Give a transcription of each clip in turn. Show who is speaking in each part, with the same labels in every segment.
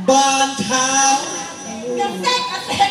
Speaker 1: บานเช้า
Speaker 2: กระเซ็ก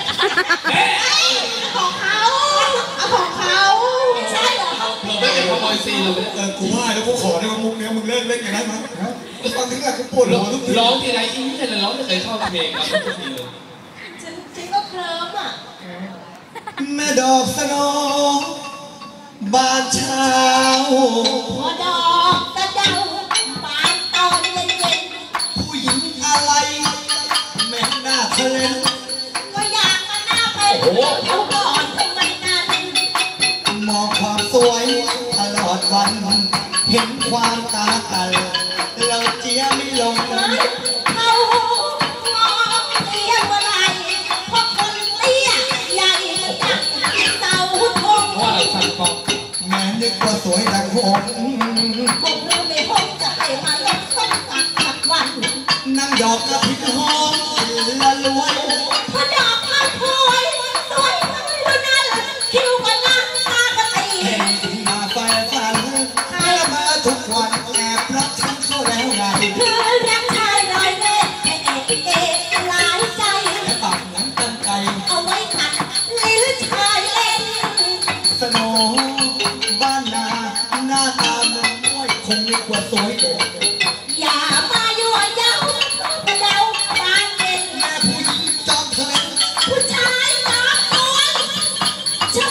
Speaker 2: ของเขาของเขาใช่เหรอ
Speaker 3: ไม่เป็นขโมยซีนเลย
Speaker 1: กูว่าแล้วกูขอได้ว่ามุกเนี้ยมึงเลิกเล่นอย่างนั้นมั้งฟังถึงแล้วกูปวดหัวทุกที
Speaker 3: ร้องทีไรอินแต่ร้องไม่เคยเข้าเพลงครับทุกทีเลย
Speaker 2: ฉันก็เคลิ้มอ่ะ
Speaker 1: แม่ดอกสโนบานเช้า
Speaker 2: พอดอกกระเดาบานตอนเย็น
Speaker 1: ผู้หญิงอะไรแม่หน้าทะเล
Speaker 2: ก็อยากมาหน้าเป็นเขาก่อนทำไมนั้น
Speaker 1: มองความสวยตลอดวันเห็นความตากันเราเจียไม่ลง
Speaker 2: เขามองเตี้ยเมื่อไรเพราะคนเตี้ยใหญ่จักเสาธง
Speaker 3: ว่าเราสั่นฟอง
Speaker 1: แม่นึกว่าสวยดังหง
Speaker 2: ผมรู้ไม่พบจะให้มาลดส้มตักสักวัน
Speaker 1: นั่งดอกกระถิ่นหอมละล้วน
Speaker 2: พอดอกมาพวยสวยดูนั่นคิวกันนะตากระตี
Speaker 1: มาไฟฝันแล้วมาทุกวันแอบรักฉันเข้าแล้วไง
Speaker 2: คือรักชายลอยเล่เอ๊หลายใจ
Speaker 1: แต่ปากหนังตั้งใจ
Speaker 2: เอาไว้ขัดลิ้นชายเล่น
Speaker 1: สโนบ้านนาหน้าตาเมืองม้วยคงมีกว่าสวยเด็ด
Speaker 2: อย่ามายั่วเย้ามาเดาบานเย็น
Speaker 1: แม่ผู้หญิงจอมทะเล
Speaker 2: ผู้ชายจอมตัว
Speaker 1: เชื่อ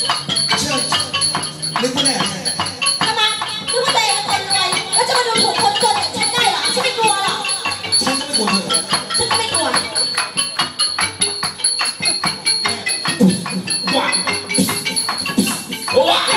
Speaker 1: นึกว่าแน่
Speaker 2: ทำไมนึกว่าตัวเองเป็นคนรวยแล้วจะมาดูถูกคนจนอย่างฉันได้เหรอฉันไม่กลัวหรอก
Speaker 1: ฉันก็ไม่กลัวเธอ
Speaker 2: ฉันก็ไม่กลัว
Speaker 3: ว้าวว้าว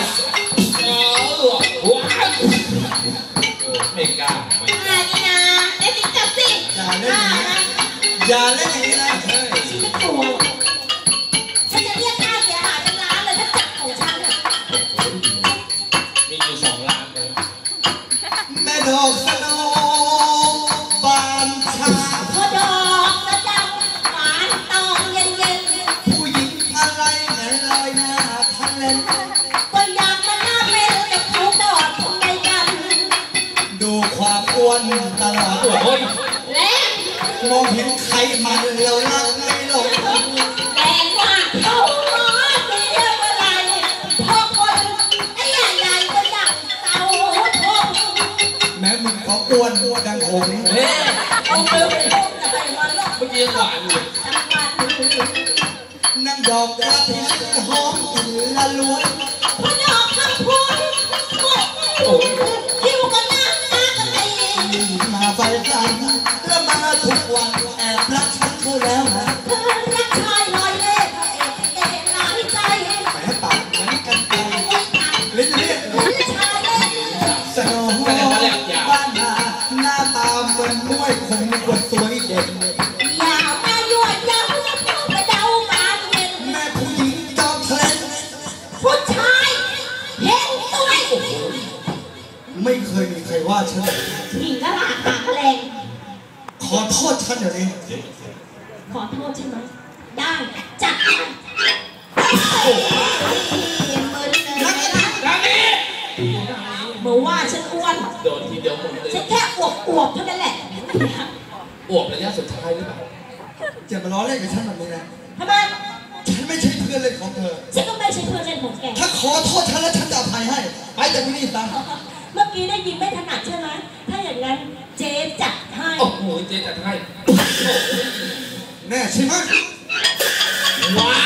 Speaker 3: ไม่กล้า
Speaker 2: นี่นะเล่นติ๊กจับสิ
Speaker 1: อย่าเล่นอย่างนี้นะ
Speaker 2: ฉันไม่กลัวฉันจะเรียกค่าเสียหายเป็นล้านเลยถ้าจับของฉันอ่ะ
Speaker 3: มีอยู่2 ล้านเลย
Speaker 1: แม่ดอกสโนบานชา
Speaker 2: พอดอกกระเดาหวานตอนเย็น
Speaker 1: ผู้หญิงอะไรไหนลอยหน้าทะเล
Speaker 2: ก็อยากมาหน้าเป็นแต่เขาดอดทำไมกัน
Speaker 1: ดูความอ้วนตลอด
Speaker 2: และ
Speaker 1: มองเห็นใครมันเราลักไม่ลง
Speaker 2: แรงว่าเขาหมอเตี้ยเมื่อไรพอคนไอ้ใหญ่ก็อยากเต่าทง
Speaker 1: แม้มึงก็อ้วนดังหง
Speaker 2: เอาเมื่อ
Speaker 3: กี้หวานอยู่
Speaker 1: นั่งดอกกระถิ่นหอมอินละล้วน
Speaker 2: พอดอกข้างพวยคิวกันนะตากระตี
Speaker 1: มาไฟฝันแล้วมาทุกวันแอบรักฉันเขาแล้วนะ
Speaker 2: รักชายลอยเล่เอ๊หลายใจ
Speaker 1: แหมปากเหมือนกันไกลเล่น
Speaker 2: ชายเล่
Speaker 1: สโนบ้านนาหน้าตาเหมือนม้วยคงมีกว่าสวยเด่น
Speaker 2: อย่ามายั่วเย้ามาเดาบานเย็น
Speaker 1: แม่ผู้หญิงจอมทะเล
Speaker 2: ผู้ชายเห็นสวย
Speaker 1: ไม่เคยมีใครว่าฉัน
Speaker 2: หญิงกระหล่ำหางแรง
Speaker 1: ขอโทษฉันเดี๋ยวนี้
Speaker 2: ขอโทษใช่ไหมได้จัดเมื่อว่าฉันอ้วน
Speaker 3: โดนทีเดียวหมดเลย
Speaker 2: ฉันแค่อวบเท่านั้นแหละ
Speaker 3: อวบระยะสุดท้ายหรือเปล่า
Speaker 1: จะมาล้อเล่นกับฉันแบบนี้นะ
Speaker 2: ทำไม
Speaker 1: ฉันไม่ใช่เพื่อนเล่นของเธอ
Speaker 2: ฉันก็ไม่ใช่เพื่อนเล่นของแก
Speaker 1: ถ้าขอโทษฉันแล้วฉันจะอภัยให้ไปจากที่นี่ซะ
Speaker 2: เมื่อกี้ได้ยินไม่ถนัดใช่ไหมถ้าอย่างนั้นเจ๊จัดให้
Speaker 3: โอ้โหเจ๊จัดให้
Speaker 1: แน่ใช่ไหม
Speaker 3: ว้า